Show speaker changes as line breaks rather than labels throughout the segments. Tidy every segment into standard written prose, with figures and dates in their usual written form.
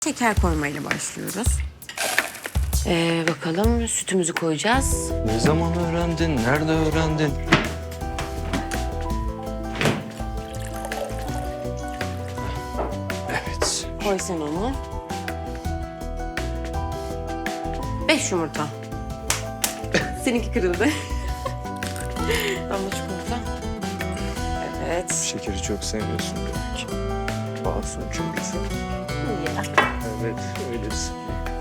Şeker koymayla başlıyoruz. Bakalım sütümüzü koyacağız.
Ne zaman öğrendin? Nerede öğrendin? Evet.
Koy sen onu. 5 yumurta. Seninki kırıldı. Damla çikolata. Evet.
Şekeri çok seviyorsun demek. Masum çünkü sen.
Ya.
Evet, öylesin.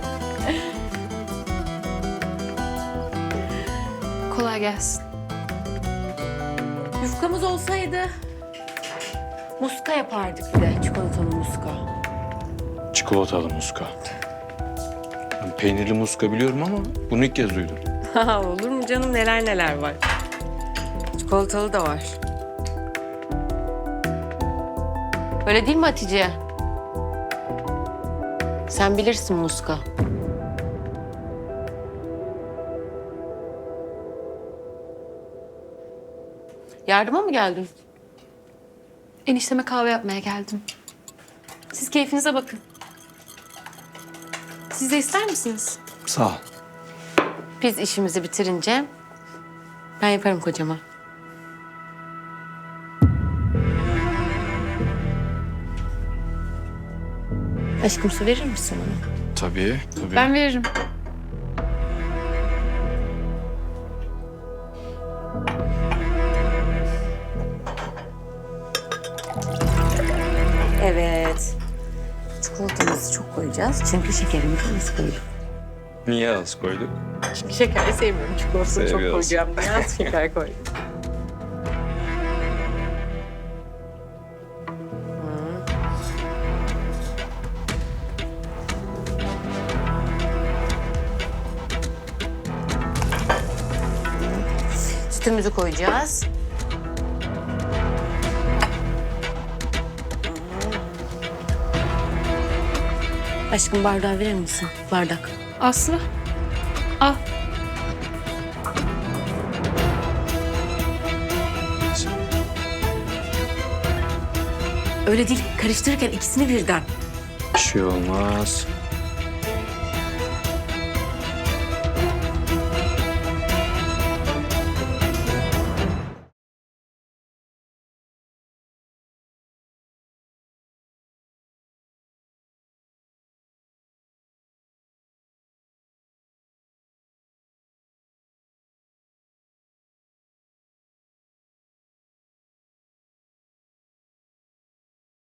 Kolay gelsin.
Yufkamız olsaydı muska yapardık bir de. Çikolatalı muska.
Çikolatalı muska. Ben peynirli muska biliyorum ama bunu ilk kez duydum.
Olur mu canım, neler neler var. Çikolatalı da var. Öyle değil mi Hatice? Sen bilirsin muska. Yardıma mı geldin?
Enişteme kahve yapmaya geldim. Siz keyfinize bakın. Siz de ister misiniz?
Sağ ol.
Biz işimizi bitirince ben yaparım kocama. Aşkım, su verir misin bana?
Tabii, tabii.
Ben veririm.
Evet. Çikolatamızı çok koyacağız çünkü şekerimizi az koyduk.
Niye az koyduk?
Çünkü şekeri sevmiyorum. Çikolatasını çok
Seviyorsun.
koyacağım diye az şeker koydum. Sütümüzü koyacağız. Aşkım, bardağı verir misin? Bardak.
Aslı. Al.
Öyle değil. Karıştırırken ikisini birden.
Bir şey olmaz.